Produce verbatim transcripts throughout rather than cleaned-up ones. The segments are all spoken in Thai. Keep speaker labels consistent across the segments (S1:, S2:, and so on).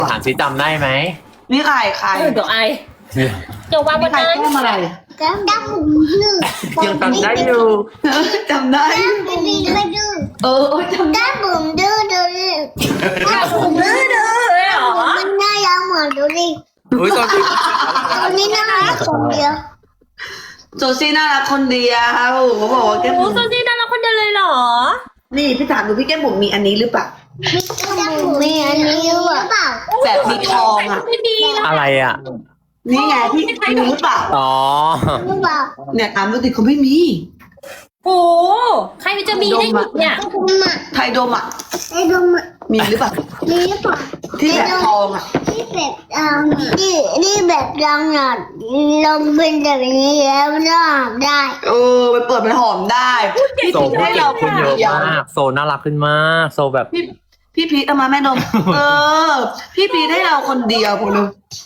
S1: ถามซิจำได้ไหม
S2: นี่ใครใคร
S3: เออเดี๋ยวไอเดี๋ยววางบ
S2: นี่
S3: น
S2: ใคร
S3: นั้น
S2: แก้มอะไร
S4: ก็ดับผมหนึ่ง
S1: ยังจำได้อยู่
S2: จำได้
S4: ไม่ดีไม่ดื้อ
S2: เออจำได้
S4: ดับผมดื้อดื้อ
S3: ผมดื้อดื้อเลยเหรอ
S4: มันน่ารักเหมือนดูดิ
S1: อุ้ยตอนที่
S4: คนนี้น่ารักคนเดียว
S2: โซซี่น่ารักคนเดียวเขาบอกว่าแก้ม
S3: โอ้
S2: บุ๋ม
S3: โซซี่น่ารักคนเดียวเลยเหรอ
S2: นี่พี่ถามดูพี่แก้มบุ๋มมีอันนี้หรือเปล่า
S4: ดับผมมีอันนี้หรือเปล่า
S2: แบบมีทองอ่ะ
S3: ไม่ดีนะ
S1: อะไรอ่ะ
S2: นี่ไงพี่มีหรือเปล่า
S1: อ๋อ
S4: หรือเปล่า
S2: เนี่ยถามดูดิเขาไม่มี
S3: โอ้ใครมันจะมีได้อีกเนี่ย
S4: คุณมา
S2: ไทยโดมอ่ะ
S4: ไอ้ดม
S2: มีหรือเปล่า
S4: มีหรือเปล่า
S2: ที่แบบทองอ่ะ
S4: ที่แบบดังนี่นี่แบบดังอ่ะลงเป็นแบบนี้แล้วน่าได้
S2: เออไปเปิดเป็นหอมได้พี่
S1: โซ
S2: พีท
S1: พูด
S2: ให้
S1: เก่
S2: เรา
S1: งขึ้นเยอะ
S2: เดียว
S1: มาก โซน่ารักขึ้นมาก โซแบบ
S2: พี่พี่พีทเอามาแม่นม เออ พี่พีทให้เราคนเดียวคนนึง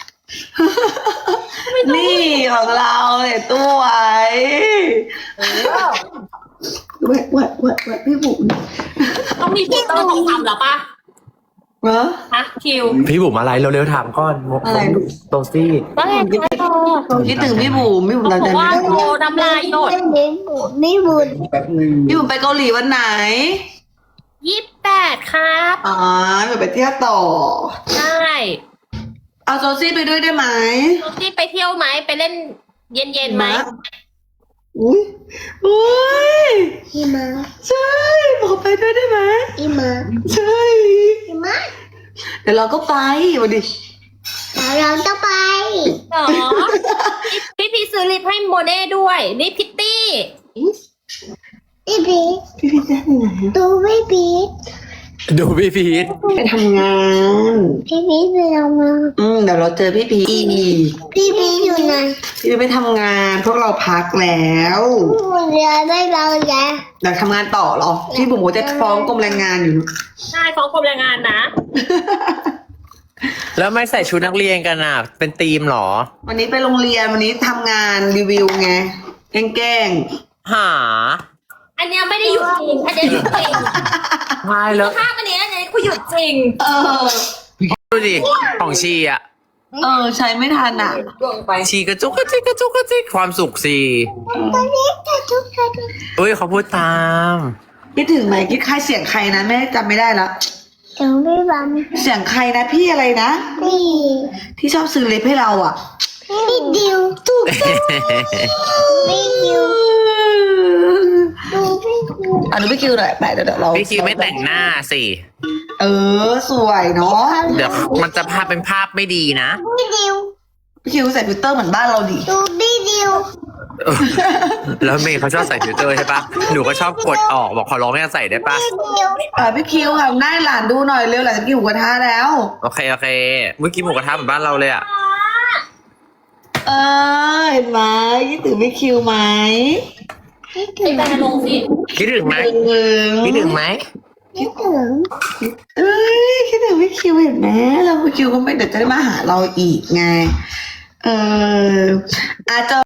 S2: นี่ของเราเนี่ยตัวไอ้แหวะแหวะแหวะแหวะพี่บุ๋ม
S3: ต้องมีฟิลเตอร์ต้องทำเหรอปะ
S2: เหรอ
S3: ฮะคิว
S1: พี่บุ๋มอะไรเร็วๆถามก่อน
S2: อะไร
S1: โซซี่
S3: ว่าไงคะโซ
S2: คิดถึงพี่บุ๋มพี่บุ๋ม
S3: บ
S2: เรา
S3: อก
S2: จะ
S3: ว่าโซน้ำลายหยด
S4: ไม่บุญไม่บุญ
S2: พี่บุ๋มไปเกาหลีวันไหน
S3: ยี่สิบแปดครับ
S2: อ๋อเดี๋ยวไปเที่ยวต่อ
S3: ใช่
S2: เอาโซซี่ไปด้วยได้ไหม
S3: โซซี่ไปเที่ยวไหมไปเล่นเย็นๆไหม
S2: อุ้ยอุ้ย
S4: อีมา
S2: ใช่บอกไปด้วยได้ไหม
S4: อีมา
S2: ใช่
S4: อีมา
S2: เดี๋ยวเราก็ไปวันดิ
S4: แล้วเราจะไป
S3: เหรอพี่พี่ซื้อลิปให้โมเน่ด้วยลิปพิตตี้
S4: พี่พี
S2: พี่พีทจะไปไหนอะ
S4: ดูพี่พี
S1: ดูพี่พีท
S2: ไปทำงาน
S4: พี่พีไปทำงาน
S2: อืมเดี๋ยวเราเจอพี่พีท
S4: พี่พีอยู่ไหน
S2: พี่พีทไปทำงาน พวกเราพักแล้ว
S4: เรือไม่เราแล้ว
S2: อยากทำงานต่อเหรอ พี่บุ๋มก็จะฟ้องกรมแรงงานอยู่
S3: ใช่ฟ้องกรมแรงงานนะ
S1: แล้วไม่ใส่ชุดนักเรียนกันอ่ะ เป็นธีมเหรอ
S2: วันนี้ไปโรงเรียนวันนี้ทำงานรีวิวไงแกล้ง
S1: หา
S3: อันเนี้ยไม่ได้หยุดจริงอันเนี้ยหยุดจริง
S1: ใช่แล้ว
S3: ภาพอันเนี้ยอันเนี้ยกูหยุดจริง
S2: ๆเออ
S1: ดูดิ ของชีอ่ะ
S2: เออ ใช้ไม่ทันอ่ะ
S1: ชีกระจุกกระจิกกระจุกกระจิกความสุขสิ
S4: ตอนนี้จะทุกคน
S1: เอ้ยเขาพูดตาม
S2: คิดถึงไหมคิดใครเสียงใครนะแม่จำไม่ได้แล้ว
S4: ถึงพี่บัม
S2: เสียงใครนะพี่อะไรนะ
S4: พี่
S2: ที่ชอบซื้อเล็บให้เราอ่ะ
S4: พี่ดิวถูกพี่ดิวดูพี่ดิว
S2: อ่ะดูพี่คิวหน่อยไปเดี๋ยวเดี๋ยวเรา
S1: พี่คิวไม่แต่งหน้าสิ
S2: เออ สวยเนาะ
S1: เดี๋ยวมันจะภาพเป็นภาพไม่ดีนะ
S4: พี่ดิว
S2: พี่คิวใส่ฟิลเตอร์เหมือนบ้านเราดิ
S4: ดูพี่ดิว
S1: แล้วเมย์เขาชอบใส่ฟิลเตอร์ใช่ปะหนูก็ชอบกดออกบอกขอร้องไม่ให้ใส่ได้ปะ
S4: พี่ดิว
S2: อ่ะพี่คิวทำหน้าให้หลานดูหน่อยเร็วหลานจะกินหมูกระทะแล้ว
S1: โอเค โอเค เมื่อกี้หมูกระทะเหมือนบ้านเราเลยอ่ะ
S2: เออเห็นไหมคิดถึงพี่คิวไหม
S3: ไอ้แบนลงสิ
S1: คิดถึงไหม
S2: ถึง
S1: คิดถึงไหม
S4: คิดถึง
S2: เอ้ยคิดถึงพี่คิวเห็นไหมแล้วพี่คิวก็ไม่เดี๋ยวจะได้มาหาเราอีกไง เอออาจจะ